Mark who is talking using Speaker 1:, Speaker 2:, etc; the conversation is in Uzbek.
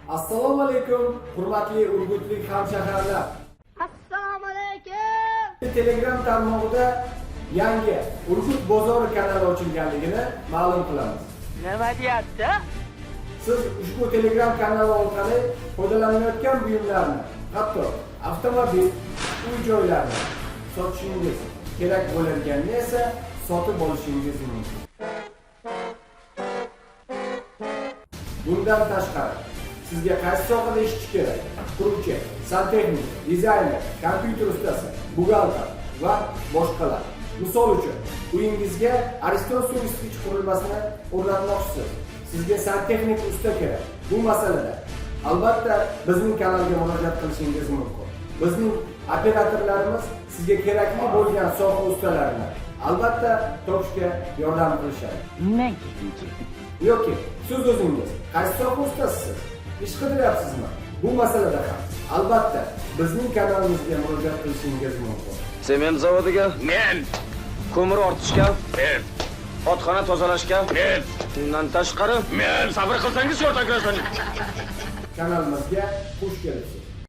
Speaker 1: Assalomu alaykum, hurmatli Urgutlik hamshaharlar.
Speaker 2: Assalomu alaykum.
Speaker 1: Telegram tarmog'ida yangi Urgut bozori kanali ochilganligini ma'lum qilamiz.
Speaker 2: Nima deyapti?
Speaker 1: Siz ushbu Telegram kanali orqali foydalanayotgan buyumlarni, hatto avtomobil, uy-joylarni sotishingiz kerak bo'lganini esa sotib olishingiz mumkin. Bundan tashqari, sizga qaysi sohada ishlash kerak? Quruvchi, santexnik, dizayner, kompyuter ustasi, buxgalter va boshqalar. Misol uchun, uyingizga Ariston suv isitgich qurilmasini o'rnatmoqchisiz. Sizga santexnik usta kerak. Bu masalada albatta bizning kanalga murojaat qilishingiz mumkin. Bizning operatorlarimiz sizga kerakli bo'lgan soha ustalarini albatta topishga yordam qilishadi.
Speaker 2: Men ketinchi.
Speaker 1: Yoki siz o'zingiz qaysi soha ustasisiz? Ish qidiryapsizmi? Bu masalada ham albatta bizning kanalimizga murojaat qilishingiz mumkin.
Speaker 3: Sement zavodiga
Speaker 4: Men,
Speaker 3: ko'mir ortishga,
Speaker 4: men,
Speaker 3: otxona tozalashga,
Speaker 4: men,
Speaker 3: undan tashqari
Speaker 4: men sabr qilsangiz yordam beraman.
Speaker 1: Kanalimizga xush kelibsiz.